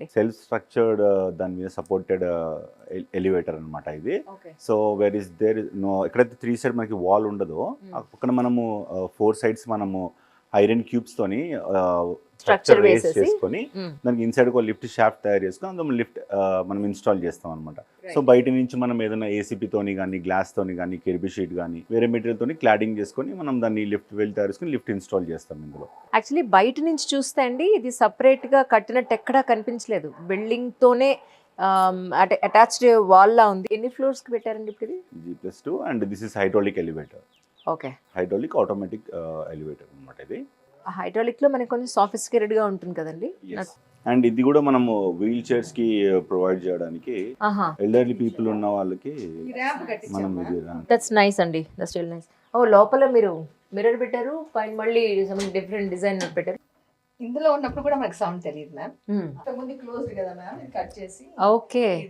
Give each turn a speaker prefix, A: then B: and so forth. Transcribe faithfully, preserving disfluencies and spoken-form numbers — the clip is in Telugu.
A: అండి.
B: సెల్ఫ్ స్ట్రక్చర్డ్ దాని మీద సపోర్టెడ్ ఎలివేటర్ అన్నమాట ఇది.
A: Okay.
B: So where is there no ఎక్కడైతే త్రీ సైడ్ మనకి వాల్ ఉండదో ఆ పక్కన మనము ఫోర్ సైడ్స్ మనము ఐరన్ క్యూబ్స్ తోని
A: స్ట్రక్చర్
B: స్ట్రక్చర్ రేస్
A: వేసేసి
B: చేసుకొని దానికి ఇన్సైడ్ ఒక లిఫ్ట్ షాఫ్ట్ తయారు చేసుకొని అందులో లిఫ్ట్ మనం ఇన్స్టాల్ చేస్తాం అనమాట. సో బయట నుంచి మనం ఏదైనా ఏసీపీ తోని కానీ గ్లాస్ తోని కానీ కెర్బీ షీట్ కానీ వేరే మెటీరియల్ తోని క్లాడింగ్ చేసుకొని మనం దాన్ని లిఫ్ట్ వెల్ తయారు చేసుకొని లిఫ్ట్ ఇన్స్టాల్ చేస్తాం ఇందులో.
A: యాక్చువల్లీ బయట నుంచి చూస్తే అండి ఇది సపరేట్ గా కట్టినట్టు ఎక్కడా కనిపించలేదు. బిల్డింగ్ తోనే అటాచ్డ్ వాల్ లా ఉంది. ఎన్ని ఫ్లోర్స్ కి పెట్టారండి ఇప్పుడు ఇది?
B: G plus two and this is hydraulic elevator.
A: Okay.
B: Hydraulic automatic elevator అనమాట ఇది.
A: హైడ్రాలిక్ లో మనకి కొంచెం సోఫిస్టికేటెడ్ గా ఉంటుంది కదండి.
B: అండ్ ఇది కూడా మనము వీల్ చైర్స్ కి ప్రొవైడ్ చేయడానికి ఎల్డర్లీ పీపుల్ ఉన్న వాళ్ళకి మనం ఇది
A: దట్స్ నైస్ అండి. That's real nice. ఓ లోపల మీరు మిర్రర్ పెట్టారు, పైన మళ్ళీ సమ్ డిఫరెంట్ డిజైన్ పెట్టారు.
C: ఇందులో ఉన్నప్పుడు కూడా మనకు సౌండ్ తెలియదు మ్యామ్. అంతకుముందు క్లోజ్డ్ కదా మ్యామ్, కట్ చేసి
A: ఓకే.